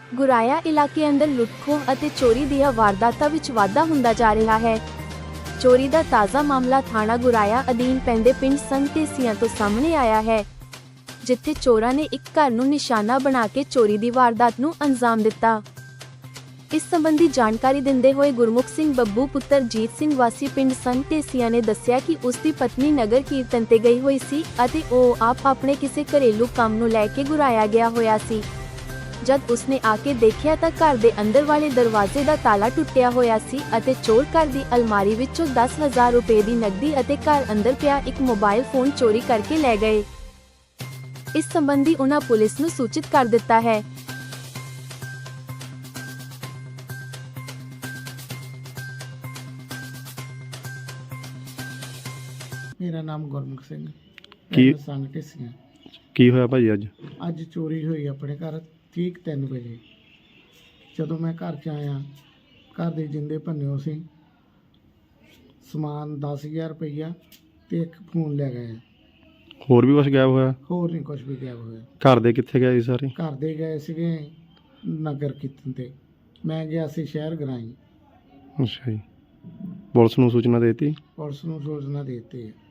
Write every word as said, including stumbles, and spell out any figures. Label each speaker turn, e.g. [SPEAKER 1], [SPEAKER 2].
[SPEAKER 1] ਗੁਰਾਇਆ ਇਲਾਕੇ ਅੰਦਰ ਲੁੱਟ-ਖੋਹ ਅਤੇ ਚੋਰੀ ਦੀਆਂ ਵਾਰਦਾਤਾਂ ਵਿੱਚ ਵਾਧਾ ਹੁੰਦਾ ਜਾ ਰਿਹਾ ਹੈ। ਚੋਰੀ ਦਾ ਤਾਜ਼ਾ ਮਾਮਲਾ ਥਾਣਾ ਗੁਰਾਇਆ ਅਧੀਨ ਪੈਂਦੇ ਪਿੰਡ ਸੰਘ ਢੇਸੀਆਂ ਤੋਂ ਸਾਹਮਣੇ ਆਇਆ ਹੈ, ਜਿੱਥੇ ਚੋਰਾਂ ਨੇ ਇੱਕ ਘਰ ਨੂੰ ਨਿਸ਼ਾਨਾ ਬਣਾ ਕੇ ਚੋਰੀ ਦੀ ਵਾਰਦਾਤ ਨੂੰ ਅੰਜਾਮ ਦਿੱਤਾ। ਇਸ ਸੰਬੰਧੀ ਜਾਣਕਾਰੀ ਦਿੰਦੇ ਹੋਏ ਗੁਰਮੁਖ ਸਿੰਘ ਬੱਬੂ ਪੁੱਤਰ ਜੀਤ ਸਿੰਘ ਵਾਸੀ ਪਿੰਡ ਸੰਘ ਢੇਸੀਆਂ ਨੇ ਦੱਸਿਆ ਕਿ ਉਸ ਦੀ ਪਤਨੀ ਨਗਰ ਕੀਰਤਨ ਤੇ ਗਈ ਹੋਈ ਸੀ ਅਤੇ ਉਹ ਆਪ ਆਪਣੇ ਕਿਸੇ ਘਰੇਲੂ ਕੰਮ ਨੂੰ ਲੈ ਕੇ ਗੁਰਾਇਆ ਗਿਆ ਹੋਇਆ ਸੀ। ਜਦ ਉਸਨੇ ਆ ਕੇ ਦੇਖਿਆ ਤਾਂ ਘਰ ਦੇ ਅੰਦਰ ਵਾਲੇ ਦਰਵਾਜ਼ੇ ਦਾ ਤਾਲਾ ਟੁੱਟਿਆ ਹੋਇਆ ਸੀ ਅਤੇ ਚੋਰ ਘਰ ਦੀ ਅਲਮਾਰੀ ਵਿੱਚੋਂ ਦਸ ਹਜ਼ਾਰ ਰੁਪਏ ਦੀ ਨਕਦੀ ਅਤੇ ਘਰ ਅੰਦਰ ਪਿਆ ਇੱਕ ਮੋਬਾਈਲ ਫੋਨ ਚੋਰੀ ਕਰਕੇ ਲੈ ਗਏ। ਇਸ ਸੰਬੰਧੀ ਉਨ੍ਹਾਂ ਪੁਲਿਸ ਨੂੰ ਸੂਚਿਤ ਕਰ ਦਿੱਤਾ ਹੈ।
[SPEAKER 2] ਮੇਰਾ ਨਾਮ ਗੁਰਮੁਖ ਸਿੰਘ
[SPEAKER 3] ਕੀ
[SPEAKER 2] ਸੰਘ ਢੇਸੀਆਂ।
[SPEAKER 3] ਕੀ ਹੋਇਆ ਭਾਜੀ ਅੱਜ?
[SPEAKER 2] ਅੱਜ ਚੋਰੀ ਹੋਈ ਆਪਣੇ ਘਰ ਠੀਕ ਤਿੰਨ ਵਜੇ। ਜਦੋਂ ਮੈਂ ਘਰ 'ਚ ਆਇਆ, ਘਰ ਦੇ ਜਿੰਦੇ ਭੰਨਿਓ ਸੀ, ਸਮਾਨ ਦਸ ਹਜ਼ਾਰ ਰੁਪਈਆ ਤੇ ਇੱਕ ਫੋਨ ਲੈ ਗਏ।
[SPEAKER 3] ਹੋਰ ਵੀ ਕੁਝ ਗਾਇਬ ਹੋਇਆ?
[SPEAKER 2] ਹੋਰ ਨਹੀਂ ਕੁਝ ਵੀ ਗਾਇਬ ਹੋਇਆ।
[SPEAKER 3] ਘਰ ਦੇ ਕਿੱਥੇ ਗਏ ਸੀ ਸਾਰੇ?
[SPEAKER 2] ਘਰ ਦੇ ਗਏ ਸੀਗੇ ਨਗਰ ਕੀਰਤਨ ਤੇ, ਮੈਂ ਗਿਆ ਸੀ ਸ਼ਹਿਰ ਗਰਾਈ।
[SPEAKER 3] ਅੱਛਾ ਜੀ, ਪੁਲਿਸ ਨੂੰ ਸੂਚਨਾ ਦੇ ਦਿੱਤੀ?
[SPEAKER 2] ਪੁਲਿਸ ਨੂੰ ਸੂਚਨਾ ਦੇ ਦਿੱਤੀ ਹੈ।